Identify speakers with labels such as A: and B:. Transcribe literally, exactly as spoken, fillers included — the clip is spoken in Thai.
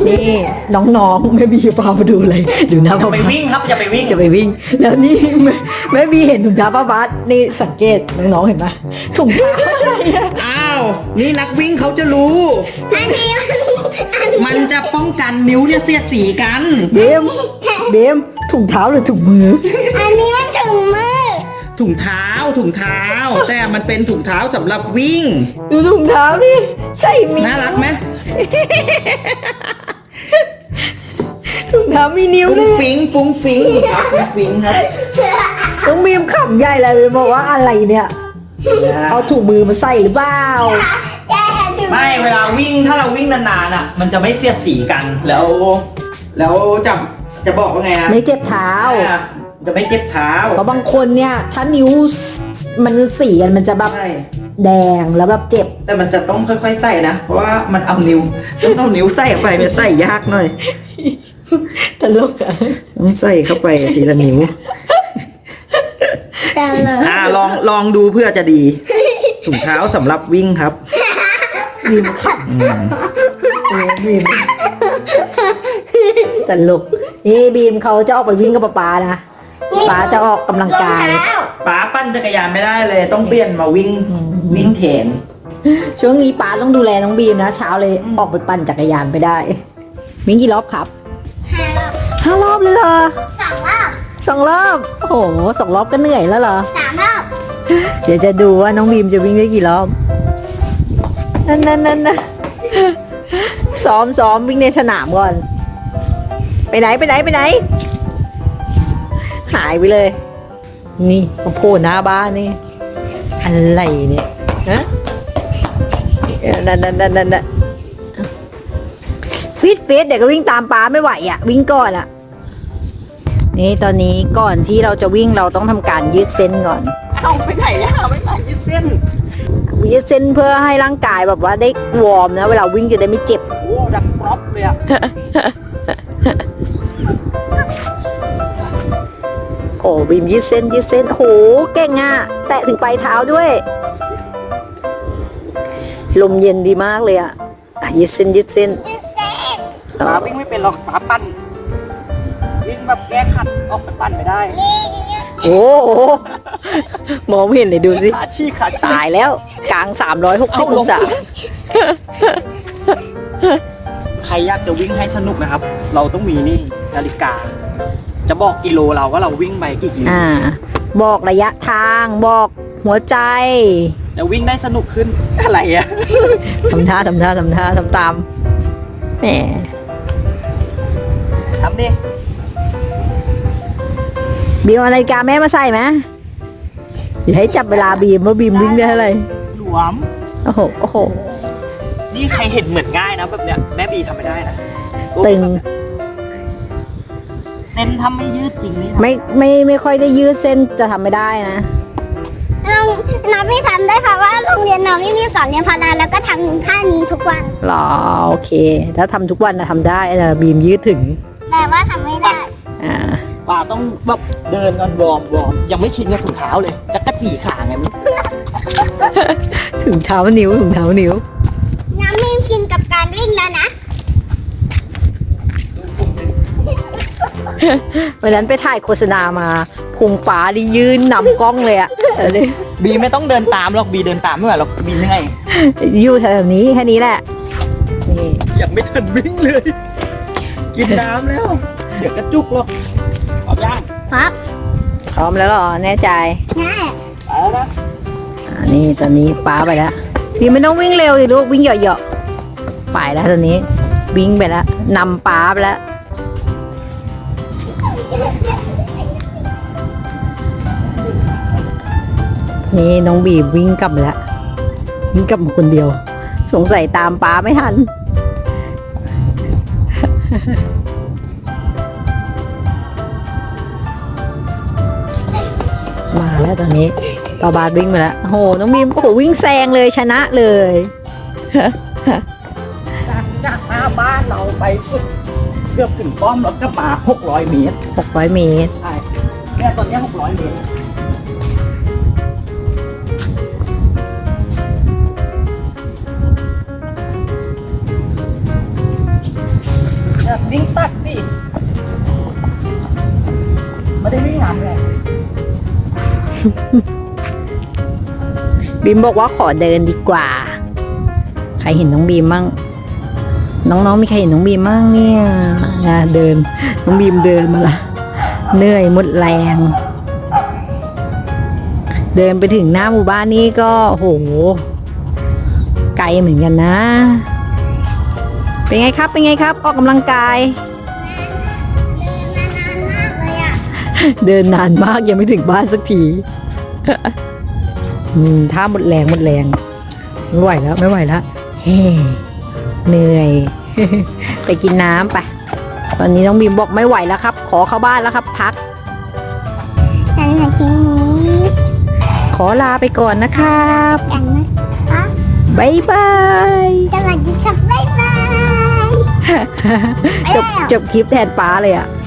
A: นี่น้องๆแม่บีพามาดูเลยดูนะ
B: จะไปวิ่งครับจะไปวิ่ง
A: จะไปวิ่ง แล้วนี่แม่แม่บีเห็นถุงเท้าป้าบาสนี่สังเกตน้องๆเห็นไหมถุงเท้าอะไรอะ
B: อ้าวนี่นักวิ่งเขาจะรู้
C: อันนี้อัน
B: มันจะป้องกันนิ้วเนี่ยเสียดสีกัน
A: เบมเบมถุงเท้าหรือถุงมือ
C: อันนี้มันถุงมือ
B: ถุงเท้าถุงเท้า แต่มันเป็นถุงเท้าสำหรับวิ่ง
A: ดูถุงเท้านี่ใส่มี
B: น่ารักไหม
A: ถุงเท้ามีนิ้ว
B: ฟุ้ง
A: ด้วย
B: ฟิงฟุ้งฟิงครับฟุ้งฟิงครับ
A: น้องบีมขำใหญ่เลยบอกว่าอะไรเนี่ยเอาถุงมือมาใส่หรือเปล่า
C: แย่ถุง
B: ไม่เวลาวิ่งถ้าเราวิ่งนานๆอ่ะ มันจะไม่เสียดสีกันแล้ว แล้วจะจะบอกว่าไงอะ
A: ไม่เจ็บเท้า
B: อ่ะจะไม่เจ็บเท้า
A: เพราะบางคนเนี่ยถ้านิ้วมันสีกันมันจะแบบ
B: ใช่
A: แดงแล้วแบบเจ็บ
B: แต่มันจะต้องค่อยๆใส่นะ เพราะว่ามันเอานิ้วต้องเอานิ้วใส่เข้าไปมันใส่ยากหน่อย
A: ตลกอะ
B: ต้องใส่เข้าไปทีละนิ้ว
C: แต่เลย
B: อ่าลองลองดูเพื่อจะดีถุงเท้าสำหรับวิ่งครับ
A: บีมขำเออบีมตลกนี่บีมเขาจะออกไปวิ่งกับป๊าป๊านะป๊าจะออกกำลังกาย
C: รองเท้
B: ป๋าปั้นจักรยานไม่ได้เลย ต้องเปลี่ยนมาวิ่งวิ่งแทน
A: ช่วงนี้ป๊าต้องดูแลน้องบีมนะเช้าเลยออกไปปั่นจักรยานไปได้วิ่งกี่รอบครับ
C: ห้ารอบ
A: ห้ารอบเลยเหรอ
C: สองรอบ
A: สองรอบโอ้โหสองรอบก็เหนื่อยแล้วเหรอ
C: สามรอบ
A: เดี๋ยวจะดูว่าน้องบีมจะวิ่งได้กี่รอบนั่นนั่นนั่นนะซ้อมซ้อมวิ่งในสนามก่อน ไปไหนไปไหนไปไหน หายไปเลย นี่มาโผล่หน้าบ้านนี่ อะไรเนี่ยฮะเออนั่นนั่นนั่นนั่นนั่นฟิตฟิตเดี๋ยวก็วิ่งตามป้าไม่ไหวอ่ะ วิ่งก่อนอ่ะ นี่ตอนนี้ก่อนที่เราจะวิ่งเราต้องทำการยืดเส้นก่อน
B: เอาไปไหนอะไปไหนยืดเส้น
A: ยืดเส้นเพื่อให้ร่างกายแบบว่าได้วอร์มนะ เวลาวิ่งจะได้ไม่เจ็บ
B: โอ้ดังปรอบเลยอะ
A: โอ้บีมยืดเส้นยืดเส้นโหเก่งอ่ะ แตะถึงปลายเท้าด้วย ลมเย็นดีมากเลยอ่ะอ่ะยืดเส้นยืดเส้น
B: ป๋าวิ่งไม่เป็นหรอกป๋าปั้นวิ่งแบบแก้ขัดออกไปปั้นไม่ได้
A: โอ้โหมองไม่เห็นเลยดูสิ
B: ขาชี้ขา
A: ตายแล้วกลาง สามร้อยหกสิบ องศา
B: ใครอยากจะวิ่งให้สนุกนะครับ เราต้องมีนี่นาฬิกา จะบอกกิโลเราว่าเราวิ่งไปกี่กิโล
A: อ่า บอกระยะทางบอกหัวใจ
B: จะวิ่งได้สนุกขึ้นอะไรอะ
A: ทำท่าทำท่าทำท่าทำตามแหม
B: ทำดิ
A: บีมเอานาฬิกาแม่มาใส่ไหมอย่าให้จับเวลาบีมว่าบีมวิ่งได้เท่าไหร่
B: หลวม
A: โอ้โหโอ้โห
B: นี่ใครเห็นเหมือนง่ายนะแบบเนี้ยแม่บีทำไม่ได้นะ
A: ตึง
B: เส้นทำไม่ยืดจริงนี่
A: ไม่ไม่ไม่ค่อยได้ยืดเส้นจะทำไม่ได้นะ
C: น้องน้องพี่ทำได้ค่ะว่าโรงเรียนน้องไม่มีสอนเรียนพาราแล้วก็ทำท่านี้ทุกวัน
A: หรอโอเค ถ้าทำทุกวันนะทำได้นะบีมยืดถึง
C: แต่ว่าทำไม่ได้
A: อ่า
B: ป่าต้องแบบเดินก่อนวอร์มวอร์มยังไม่ชินกับถุงเท้าเลยจะกระจีขาไงมัน
A: ถึงเท้านิ้วถึงเท้านิ้ว
C: น้ำไม่ชินกับการวิ่งแล้วนะ
A: วันนั้นไปถ่ายโฆษณามาพุงฟ้าดิยืนนำกล้องเลยอะเออเลย
B: บีไม่ต้องเดินตามหรอกบีเดินตามไม่ไหวหรอกบีเหนื่อย
A: อยู่แถวๆนี้แค่นี้แหละนี่
B: ยังไม่ทันวิ่งเลย กินน้ำแล้ว เดี๋ยวกระจุกหรอกเอาย่าง
C: ครับ
A: พร้อมแล้วเหรอแน่ใจ
C: ง่าย
B: ไปแล้วนะ
A: อ่านี่ตอนนี้ป้าไปแล้วพี่ไม่ต้องวิ่งเร็วสิลูกวิ่งเหยาะๆไปแล้วตอนนี้วิ่งไปแล้วนำป้าไปแล้วนี่น้องบีมวิ่งกลับมาแล้ววิ่งกลับมาคนเดียว สงสัยตามป้าไม่ทัน มาแล้วตอนนี้ปาบาสวิ่งมาแล้วโอ้โหน้องบีมโอ้โหวิ่งแซงเลยชนะเลย
B: จากจากหน้าบ้านเราไปสุดเกือบถึงป้อมแล้วก็มาหกร้อยเมตร
A: หกร้อยเมตร
B: ใช่เนี่ยตอนเนี้หกร้อยเมตรตักสิไม่ได้วิ่งหามเลย
A: บีมบอกว่าขอเดินดีกว่า ใครเห็นน้องบีมมั่งน้องๆมีใครเห็นน้องบีมมั่งเนี่ยนะเดินน้องบีมเดินมาละเหนื่อยหมดแรง เดินไปถึงหน้าหมู่บ้านนี้ก็โหไกลเหมือนกันนะ เป็นไงครับเป็นไงครับออกกำลังกาย
C: เดินมานานมากเลยอ่ะ
A: เดินนานมากยังไม่ถึงบ้านสักที อืมถ้าหมดแรงหมดแรงไม่ไหวแล้วไม่ไหวแล้วเฮ้เหนื่อย ไปกินน้ำไปตอนนี้น้องบีมบอกไม่ไหวแล้วครับ ขอเข้าบ้านแล้วครับ พัก
C: ฉันจะกินนี้
A: ขอลาไปก่อนนะครับ
C: กันนะคะ
A: บ๊ายบาย
C: สวัสดีครับบ๊ายบาย
A: จบจบคลิปแทนป้าเลยอะ